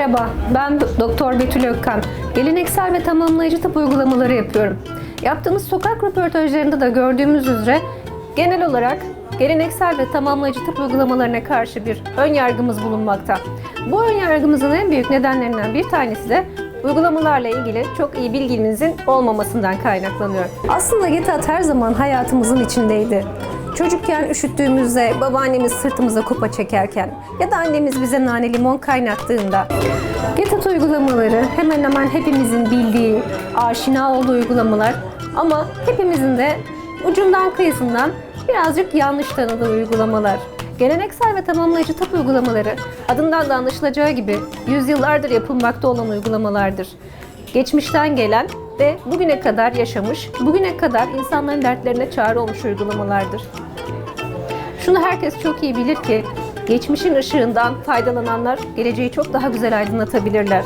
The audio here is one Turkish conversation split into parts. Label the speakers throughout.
Speaker 1: Merhaba, ben Doktor Betül Ökkan. Geleneksel ve tamamlayıcı tıp uygulamaları yapıyorum. Yaptığımız sokak röportajlarında da gördüğümüz üzere genel olarak geleneksel ve tamamlayıcı tıp uygulamalarına karşı bir ön yargımız bulunmakta. Bu ön yargımızın en büyük nedenlerinden bir tanesi de uygulamalarla ilgili çok iyi bilginizin olmamasından kaynaklanıyor. Aslında GETAT her zaman hayatımızın içindeydi. Çocukken üşüttüğümüzde, babaannemiz sırtımıza kupa çekerken ya da annemiz bize nane limon kaynattığında GETAT uygulamaları hemen hemen hepimizin bildiği, aşina olduğu uygulamalar ama hepimizin de ucundan kıyısından birazcık yanlış tanıdığı uygulamalar. Geleneksel ve tamamlayıcı tıp uygulamaları adından da anlaşılacağı gibi yüzyıllardır yapılmakta olan uygulamalardır. Geçmişten gelen ve bugüne kadar yaşamış, bugüne kadar insanların dertlerine çare olmuş uygulamalardır. Şunu herkes çok iyi bilir ki, geçmişin ışığından faydalananlar geleceği çok daha güzel aydınlatabilirler.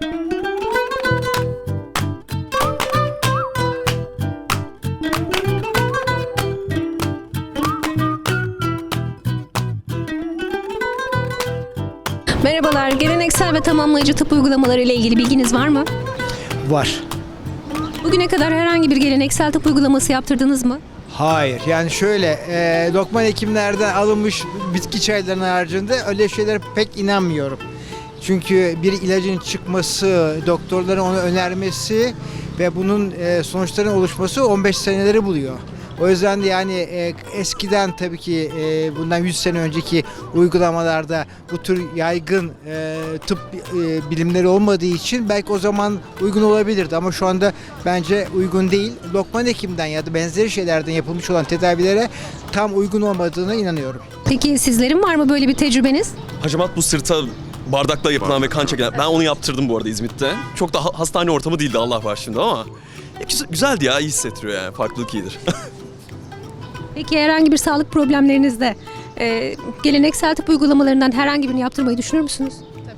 Speaker 1: Merhabalar, geleneksel ve tamamlayıcı tıp uygulamaları ile ilgili bilginiz var mı?
Speaker 2: Var.
Speaker 1: Bugüne kadar herhangi bir geleneksel tıp uygulaması yaptırdınız mı?
Speaker 2: Hayır. Yani şöyle, lokman hekimlerden alınmış bitki çaylarının haricinde öyle şeylere pek inanmıyorum. Çünkü bir ilacın çıkması, doktorların onu önermesi ve bunun sonuçlarının oluşması 15 seneleri buluyor. O yüzden de yani eskiden tabii ki bundan 100 sene önceki uygulamalarda bu tür yaygın tıp bilimleri olmadığı için belki o zaman uygun olabilirdi ama şu anda bence uygun değil. Lokman hekimden ya da benzeri şeylerden yapılmış olan tedavilere tam uygun olmadığına inanıyorum.
Speaker 1: Peki sizlerin var mı böyle bir tecrübeniz?
Speaker 3: Hacamat bu sırta bardakla yapılan ve kan çekilen. Ben onu yaptırdım bu arada İzmit'te. Çok da hastane ortamı değildi Allah var şimdi ama. Güzeldi ya, iyi hissettiriyor yani. Farklılık iyidir.
Speaker 1: Peki herhangi bir sağlık problemlerinizde geleneksel tıp uygulamalarından herhangi birini yaptırmayı düşünür müsünüz?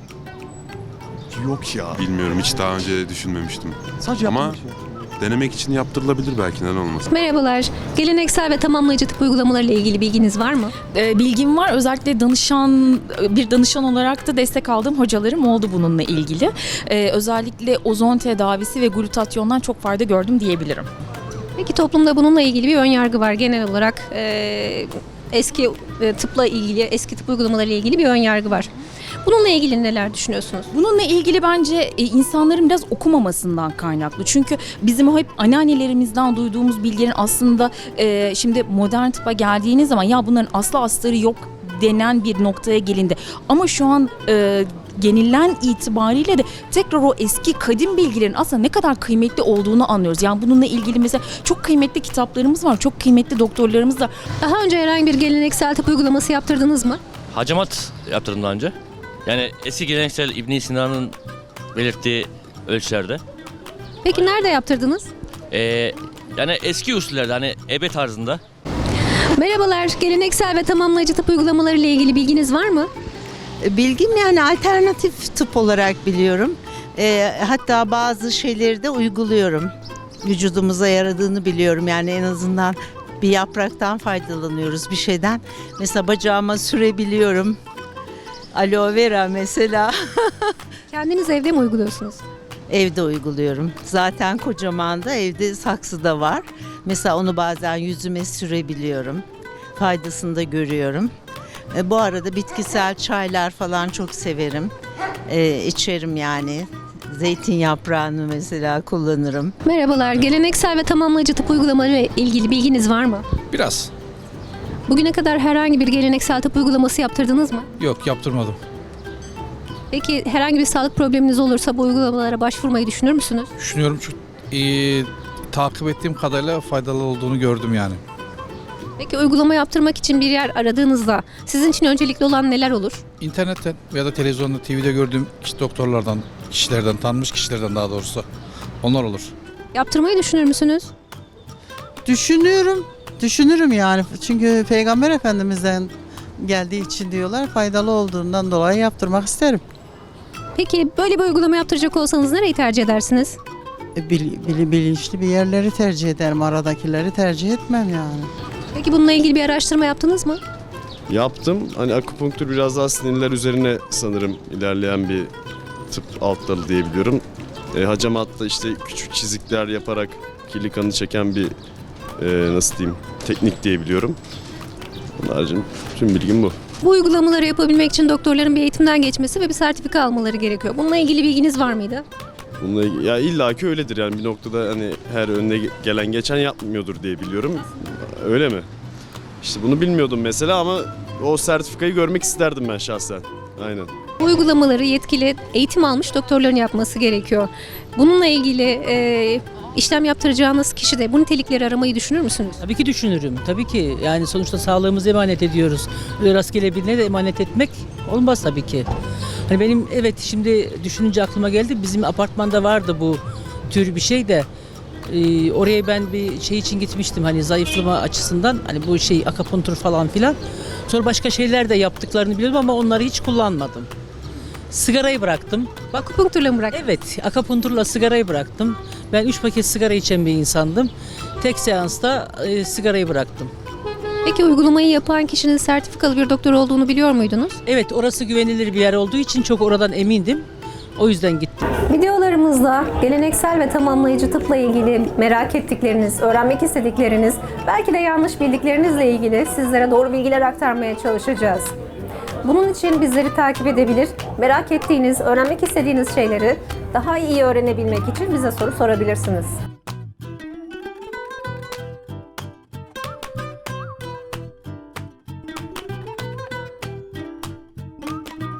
Speaker 3: Yok ya.
Speaker 4: Bilmiyorum, hiç daha önce düşünmemiştim.
Speaker 3: Sadece
Speaker 4: Ama
Speaker 3: yapmamış ya.
Speaker 4: denemek için yaptırılabilir belki, neden olmasın.
Speaker 1: Merhabalar, geleneksel ve tamamlayıcı tıp uygulamaları ile ilgili bilginiz var mı?
Speaker 5: Bilgim var. Özellikle bir danışan olarak da destek aldığım hocalarım oldu bununla ilgili. Özellikle ozon tedavisi ve glutatyondan çok fayda gördüm diyebilirim.
Speaker 1: Peki toplumda bununla ilgili bir ön yargı var. Genel olarak eski tıpla ilgili, eski tıp uygulamaları ile ilgili bir ön yargı var. Bununla ilgili neler düşünüyorsunuz?
Speaker 5: Bununla ilgili bence insanların biraz okumamasından kaynaklı. Çünkü bizim o hep anneannelerimizden duyduğumuz bilgilerin aslında şimdi modern tıpa geldiğiniz zaman ya bunların aslı astarı yok denen bir noktaya gelindi. Ama şu an genilen itibariyle de tekrar o eski kadim bilgilerin aslında ne kadar kıymetli olduğunu anlıyoruz. Yani bununla ilgili mesela çok kıymetli kitaplarımız var, çok kıymetli doktorlarımız var.
Speaker 1: Daha önce herhangi bir geleneksel tıp uygulaması yaptırdınız mı?
Speaker 6: Hacamat yaptırdım daha önce. Yani eski geleneksel İbn Sina'nın belirttiği ölçülerde.
Speaker 1: Peki nerede yaptırdınız?
Speaker 6: Yani eski usullerde hani ebe tarzında.
Speaker 1: Merhabalar, geleneksel ve tamamlayıcı tıp uygulamaları ile ilgili bilginiz var mı?
Speaker 7: Bilgim yani alternatif tıp olarak biliyorum. Hatta bazı şeyleri de uyguluyorum. Vücudumuza yaradığını biliyorum. Yani en azından bir yapraktan faydalanıyoruz, bir şeyden. Mesela bacağıma sürebiliyorum. Aloe vera mesela.
Speaker 1: Kendiniz evde mi uyguluyorsunuz?
Speaker 7: Evde uyguluyorum. Zaten kocaman da evde saksı da var. Mesela onu bazen yüzüme sürebiliyorum. Faydasını da görüyorum. Bu arada bitkisel çaylar falan çok severim. İçerim yani. Zeytin yaprağını mesela kullanırım.
Speaker 1: Merhabalar, geleneksel ve tamamlayıcı tıp uygulamaları ile ilgili bilginiz var mı?
Speaker 8: Biraz.
Speaker 1: Bugüne kadar herhangi bir geleneksel tıp uygulaması yaptırdınız mı?
Speaker 8: Yok, yaptırmadım.
Speaker 1: Peki herhangi bir sağlık probleminiz olursa bu uygulamalara başvurmayı düşünür müsünüz?
Speaker 8: Düşünüyorum çünkü takip ettiğim kadarıyla faydalı olduğunu gördüm yani.
Speaker 1: Peki uygulama yaptırmak için bir yer aradığınızda sizin için öncelikli olan neler olur?
Speaker 8: İnternetten ya da televizyonda, TV'de gördüğüm doktorlardan, kişilerden, tanınmış kişilerden daha doğrusu. Onlar olur.
Speaker 1: Yaptırmayı düşünür müsünüz?
Speaker 9: Düşünürüm yani. Çünkü Peygamber Efendimiz'den geldiği için diyorlar, faydalı olduğundan dolayı yaptırmak isterim.
Speaker 1: Peki böyle bir uygulama yaptıracak olsanız nereyi tercih edersiniz?
Speaker 9: Bilinçli bir yerleri tercih ederim, aradakileri tercih etmem yani.
Speaker 1: Peki bununla ilgili bir araştırma yaptınız mı?
Speaker 10: Yaptım. Hani akupunktur biraz daha sinirler üzerine sanırım ilerleyen bir tıp alt dalı diyebiliyorum. Hacamatta işte küçük çizikler yaparak kirli kanı çeken bir nasıl diyeyim teknik diyebiliyorum. Onun haricinde tüm bilgim bu.
Speaker 1: Bu uygulamaları yapabilmek için doktorların bir eğitimden geçmesi ve bir sertifika almaları gerekiyor. Bununla ilgili bilginiz var mıydı?
Speaker 10: Bununla, ya illaki öyledir yani bir noktada hani her önüne gelen geçen yapmıyordur diye biliyorum. Öyle mi? İşte bunu bilmiyordum mesela ama o sertifikayı görmek isterdim ben şahsen. Aynen.
Speaker 1: Bu uygulamaları yetkili eğitim almış doktorların yapması gerekiyor. Bununla ilgili işlem yaptıracağınız kişi de bu nitelikleri aramayı düşünür müsünüz?
Speaker 11: Tabii ki düşünürüm. Tabii ki. Yani sonuçta sağlığımızı emanet ediyoruz. Öyle rastgele birine de emanet etmek olmaz tabii ki. Hani benim evet şimdi düşününce aklıma geldi. Bizim apartmanda vardı bu tür bir şey de. Oraya ben bir şey için gitmiştim hani zayıflama açısından. Hani bu şey akupunktur falan filan. Sonra başka şeyler de yaptıklarını biliyorum ama onları hiç kullanmadım. Sigarayı bıraktım.
Speaker 1: Akupunkturla mı bıraktınız?
Speaker 11: Evet, akupunkturla sigarayı bıraktım. Ben 3 paket sigara içen bir insandım. Tek seansta sigarayı bıraktım.
Speaker 1: Peki uygulamayı yapan kişinin sertifikalı bir doktor olduğunu biliyor muydunuz?
Speaker 11: Evet, orası güvenilir bir yer olduğu için çok oradan emindim. O yüzden gittim.
Speaker 1: Videolarımızda geleneksel ve tamamlayıcı tıpla ilgili merak ettikleriniz, öğrenmek istedikleriniz, belki de yanlış bildiklerinizle ilgili sizlere doğru bilgiler aktarmaya çalışacağız. Bunun için bizleri takip edebilir, merak ettiğiniz, öğrenmek istediğiniz şeyleri daha iyi öğrenebilmek için bize soru sorabilirsiniz.